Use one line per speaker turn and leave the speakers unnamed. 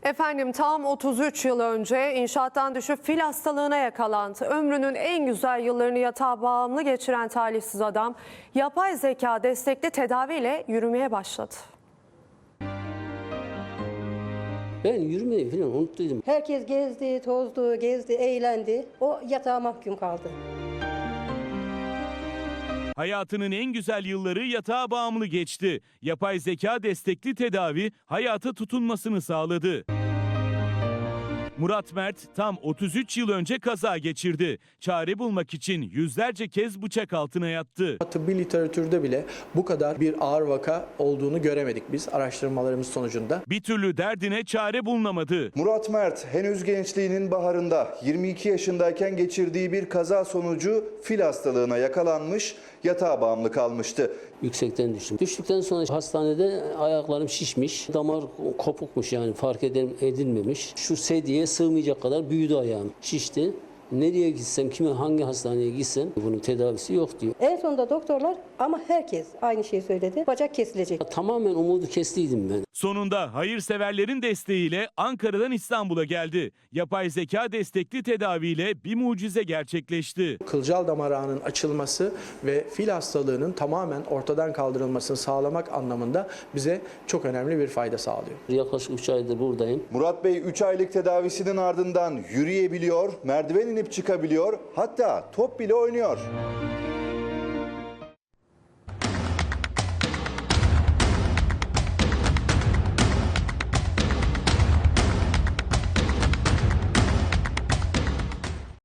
Efendim tam 33 yıl önce inşaattan düşüp fil hastalığına yakalandı. Ömrünün en güzel yıllarını yatağa bağımlı geçiren talihsiz adam yapay zeka destekli tedaviyle yürümeye başladı.
Ben yürümeyi falan unuttuydum.
Herkes gezdi, tozdu, gezdi, eğlendi. O yatağa mahkum kaldı.
Hayatının en güzel yılları yatağa bağımlı geçti. Yapay zeka destekli tedavi hayata tutunmasını sağladı. Murat Mert tam 33 yıl önce kaza geçirdi. Çare bulmak için yüzlerce kez bıçak altına yattı.
Tıbbi literatürde bile bu kadar bir ağır vaka olduğunu göremedik biz araştırmalarımız sonucunda.
Bir türlü derdine çare bulunamadı.
Murat Mert henüz gençliğinin baharında 22 yaşındayken geçirdiği bir kaza sonucu fil hastalığına yakalanmış, yatağa bağımlı kalmıştı.
Yüksekten düştüm. Düştükten sonra hastanede ayaklarım şişmiş, damar kopukmuş yani fark edilmemiş. Şu sedyeye sığmayacak kadar büyüdü ayağım, şişti. Nereye gitsem, hangi hastaneye gitsem bunun tedavisi yok diyor.
En sonunda doktorlar ama herkes aynı şeyi söyledi. Bacak kesilecek.
Tamamen umudu kestiydim ben.
Sonunda hayırseverlerin desteğiyle Ankara'dan İstanbul'a geldi. Yapay zeka destekli tedaviyle bir mucize gerçekleşti.
Kılcal damar ağının açılması ve fil hastalığının tamamen ortadan kaldırılmasını sağlamak anlamında bize çok önemli bir fayda sağlıyor.
Yaklaşık 3 aydır buradayım.
Murat Bey 3 aylık tedavisinin ardından yürüyebiliyor, merdiven inip çıkabiliyor, hatta top bile oynuyor.